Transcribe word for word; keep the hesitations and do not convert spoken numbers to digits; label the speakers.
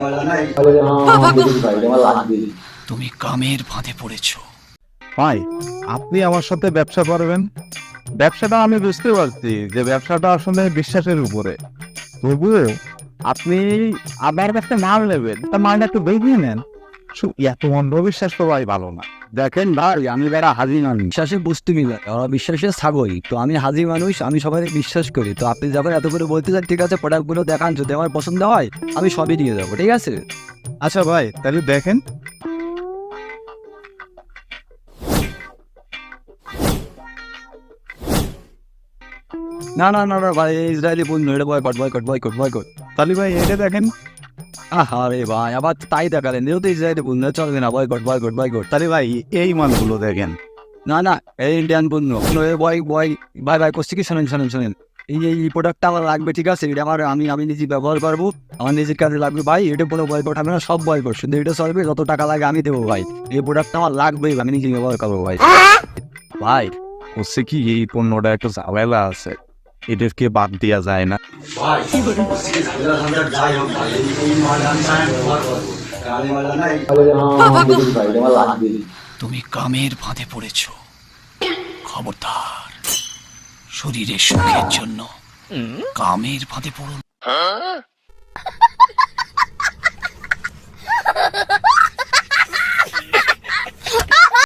Speaker 1: তুমি কামের ফাঁদে পড়েছো।
Speaker 2: ভাই, আপনি আমার সাথে ব্যবসা করবেন, ব্যবসাটা আমি বুঝতে পারছি যে ব্যবসাটা আসলে বিশ্বাসের উপরে। তবুও আপনি আমার কাছে মাল নেবেন, তা মালটা একটু বেরিয়ে নেন। শু- এত অন্ধবিশ্বাস তো ভাই ভালো না। দেখেন ভাই, আমি বেড়া হাজি মানুষ।
Speaker 3: বিশ্বাসে বস্তু মিলে ওরা বিশ্বাসে ছাগল, তো আমি হাজি মানুষ, আমি সবাই বিশ্বাস করি। তো আপনি যখন এত করে বলতে চান, ঠিক আছে প্রোডাক্টগুলো দেখান, যদি আমার পছন্দ হয় আমি সবই নিয়ে যাবো, ঠিক আছে?
Speaker 2: আচ্ছা ভাই, তাহলে দেখেন।
Speaker 3: না না না না ভাই, এই ইসরায়েলি পণ্য, এটা বয়কট বয়কট বয়কট বয়কট।
Speaker 2: তাহলে ভাই এটা দেখেন।
Speaker 3: আহা রে ভাই, আবার তাই দেখালেন, এও তো ইসরায়েলি পণ্য, চলবে না, বয়কট বয়কট বয়কট।
Speaker 2: তাহলে ভাই এই মালগুলো দেখেন।
Speaker 3: না না, এই ইন্ডিয়ান পণ্য, বয় বয় বাই বাই করছি কি, শোনেন শোনেন শোনেন, এই যে এই প্রোডাক্টটা আমার লাগবে, ঠিক আছে? এটা আমার, আমি আমি নিজে ব্যবহার করবো, আমার নিজের কাজে লাগবে ভাই। এটা কোনো বয়কট হবে না, সব বয়কট, শুধু এটা চলবে, যত টাকা লাগে আমি দেবো ভাই। এই প্রোডাক্টটা আমার লাগবেই, আমি নিজে ব্যবহার করবো ভাই। ভাই
Speaker 2: হচ্ছে কি, এই পণ্যটা একটু ঝামেলা আছে, এদেরকে বাদ দেওয়া যায় না।
Speaker 1: তুমি কামের ফাঁদে পড়েছো। খবরদার, শরীরের সুখের জন্য কামের ফাঁদে পড়ো না।